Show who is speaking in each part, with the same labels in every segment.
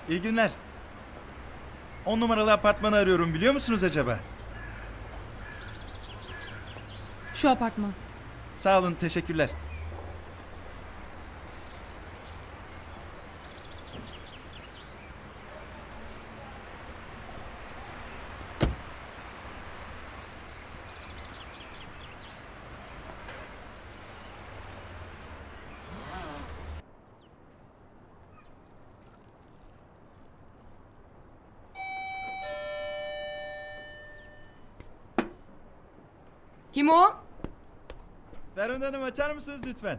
Speaker 1: İyi günler. 10 numaralı apartmanı arıyorum, biliyor musunuz acaba?
Speaker 2: Şu apartman.
Speaker 1: Sağ olun, teşekkürler.
Speaker 3: Kim o?
Speaker 1: Ferhunde Hanım, açar mısınız lütfen?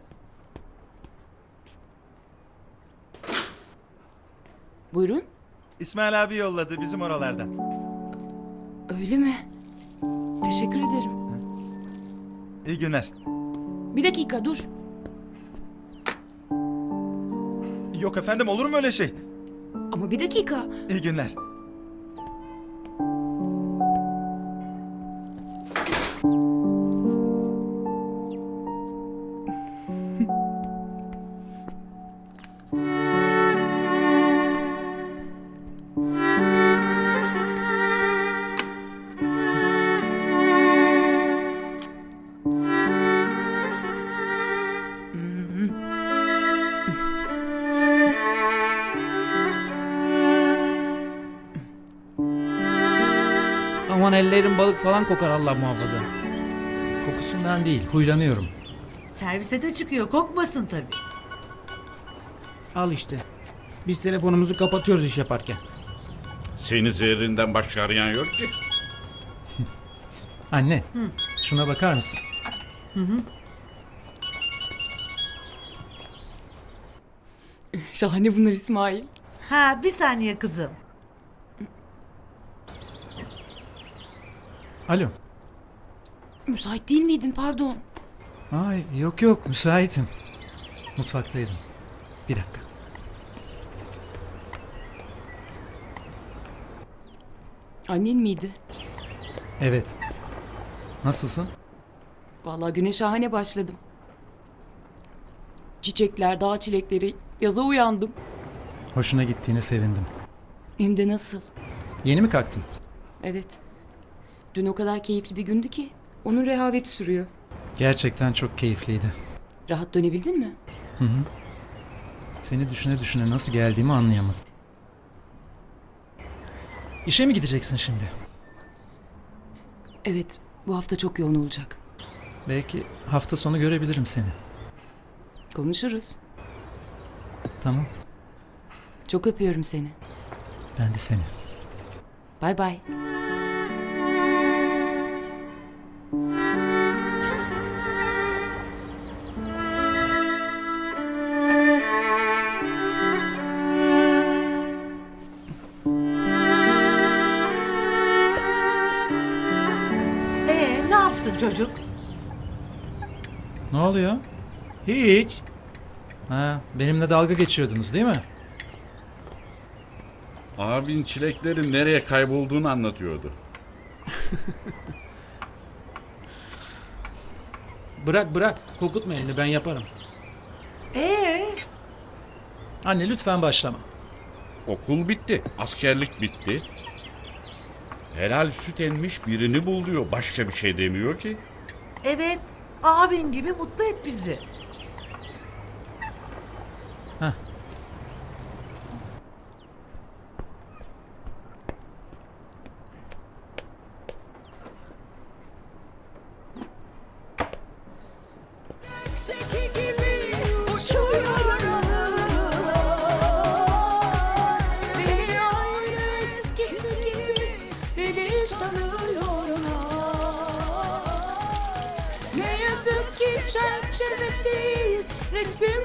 Speaker 3: Buyurun.
Speaker 1: İsmail abi yolladı bizim oralardan.
Speaker 3: Öyle mi? Teşekkür ederim.
Speaker 1: İyi günler.
Speaker 3: Bir dakika dur.
Speaker 1: Yok efendim, olur mu öyle şey?
Speaker 3: Ama bir dakika.
Speaker 1: İyi günler.
Speaker 4: Aman ellerim balık falan kokar, Allah muhafaza. Kokusundan değil, huylanıyorum.
Speaker 5: Servise de çıkıyor, kokmasın tabii.
Speaker 4: Al işte. Biz telefonumuzu kapatıyoruz iş yaparken.
Speaker 6: Seni zehrinden başka arayan yok ki.
Speaker 4: Anne, şuna bakar mısın?
Speaker 3: Şahane bunlar İsmail.
Speaker 5: Ha, bir saniye kızım.
Speaker 4: Alo.
Speaker 3: Müsait değil miydin pardon?
Speaker 4: Ay yok yok, müsaitim. Mutfaktaydım. Bir dakika.
Speaker 3: Annen miydi?
Speaker 4: Evet. Nasılsın?
Speaker 3: Vallahi güne şahane başladım. Çiçekler, dağ çilekleri, yaza uyandım.
Speaker 4: Hoşuna gittiğine sevindim.
Speaker 3: Hem de nasıl?
Speaker 4: Yeni mi kalktın?
Speaker 3: Evet. Dün o kadar keyifli bir gündü ki onun rehaveti sürüyor.
Speaker 4: Gerçekten çok keyifliydi.
Speaker 3: Rahat dönebildin mi?
Speaker 4: Seni düşüne düşüne nasıl geldiğimi anlayamadım. İşe mi gideceksin şimdi?
Speaker 3: Evet, bu hafta çok yoğun olacak.
Speaker 4: Belki hafta sonu görebilirim seni.
Speaker 3: Konuşuruz.
Speaker 4: Tamam.
Speaker 3: Çok öpüyorum seni.
Speaker 4: Ben de seni.
Speaker 3: Bay bay.
Speaker 5: Ne yapsın çocuk?
Speaker 4: Ne oluyor?
Speaker 7: Hiç.
Speaker 4: Ha, benimle dalga geçiyordunuz değil mi?
Speaker 6: Abin çileklerin nereye kaybolduğunu anlatıyordu.
Speaker 7: Bırak bırak. Kokutma elini, ben yaparım.
Speaker 4: Anne lütfen başlama.
Speaker 6: Okul bitti, askerlik bitti. Helal süt emmiş birini bul diyor. Başka bir şey demiyor ki.
Speaker 5: Evet, abin gibi mutlu et bizi.
Speaker 4: Heh.
Speaker 3: Ne yazık ki çerçeve değil resim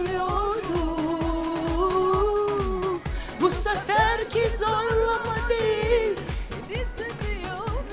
Speaker 3: arıyorum. Bu seferki zorlama değil seni seviyorum.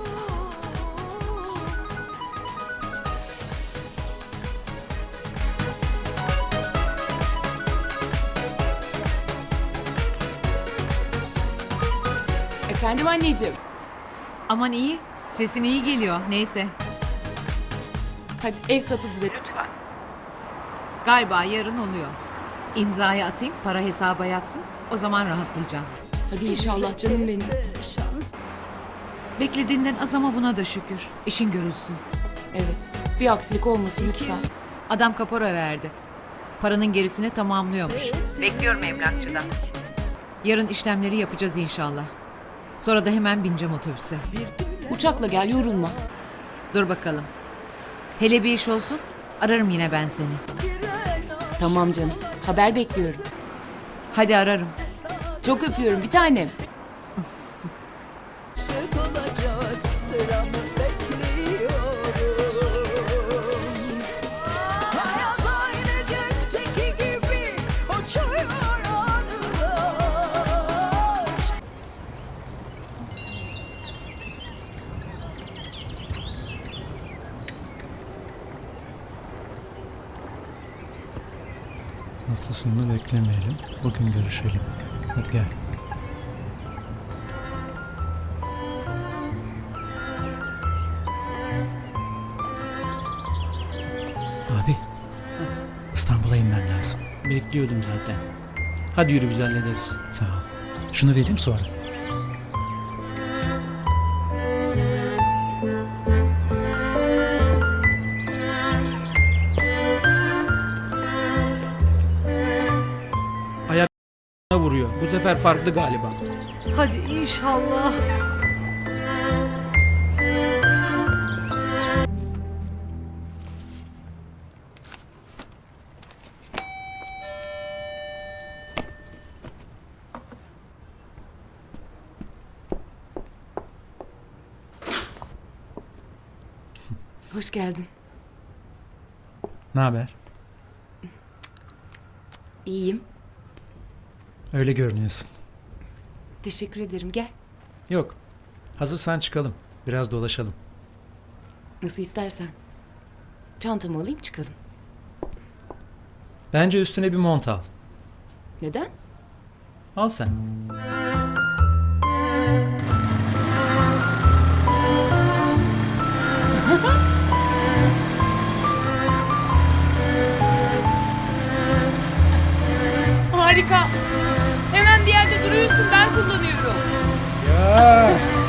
Speaker 3: Efendim anneciğim.
Speaker 8: Aman iyi. Sesin iyi geliyor. Neyse.
Speaker 3: Hadi ev satıldı de lütfen.
Speaker 8: Galiba yarın oluyor. İmzayı atayım, para hesaba yatsın. O zaman rahatlayacağım.
Speaker 3: Hadi inşallah canım benim.
Speaker 8: Beklediğinden az ama buna da şükür. İşin görülsün.
Speaker 3: Evet. Bir aksilik olmasın lütfen.
Speaker 8: Adam kapora verdi. Paranın gerisini tamamlıyormuş. Bekliyorum emlakçıdan. Yarın işlemleri yapacağız inşallah. Sonra da hemen bineceğim otobüse.
Speaker 3: Uçakla gel, yorulma.
Speaker 8: Dur bakalım. Hele bir iş olsun, ararım yine ben seni.
Speaker 3: Tamam canım. Haber bekliyorum.
Speaker 8: Hadi ararım.
Speaker 3: Çok öpüyorum bir tanem.
Speaker 9: olacak sıramı bekliyorum. Hayat aynı gökteki gibi uçuyor anılar.
Speaker 4: Hafta sonunu beklemeyelim. Bugün görüşelim. Hadi gel. Abi. İstanbul'a inmem lazım.
Speaker 7: Bekliyordum zaten. Hadi yürü biz hallederiz.
Speaker 4: Sağ ol. Şunu vereyim sonra.
Speaker 7: Ayaklarına vuruyor. Bu sefer farklı galiba.
Speaker 5: Hadi inşallah.
Speaker 3: Hoş geldin.
Speaker 4: Ne haber?
Speaker 3: İyiyim.
Speaker 4: Öyle görünüyorsun.
Speaker 3: Teşekkür ederim. Gel.
Speaker 4: Yok. Hazırsan çıkalım. Biraz dolaşalım.
Speaker 3: Nasıl istersen. Çantamı alayım çıkalım.
Speaker 4: Bence üstüne bir mont al.
Speaker 3: Neden?
Speaker 4: Al sen.
Speaker 3: Harika. Hemen bir yerde duruyorsun, ben kullanıyorum.
Speaker 4: Ya.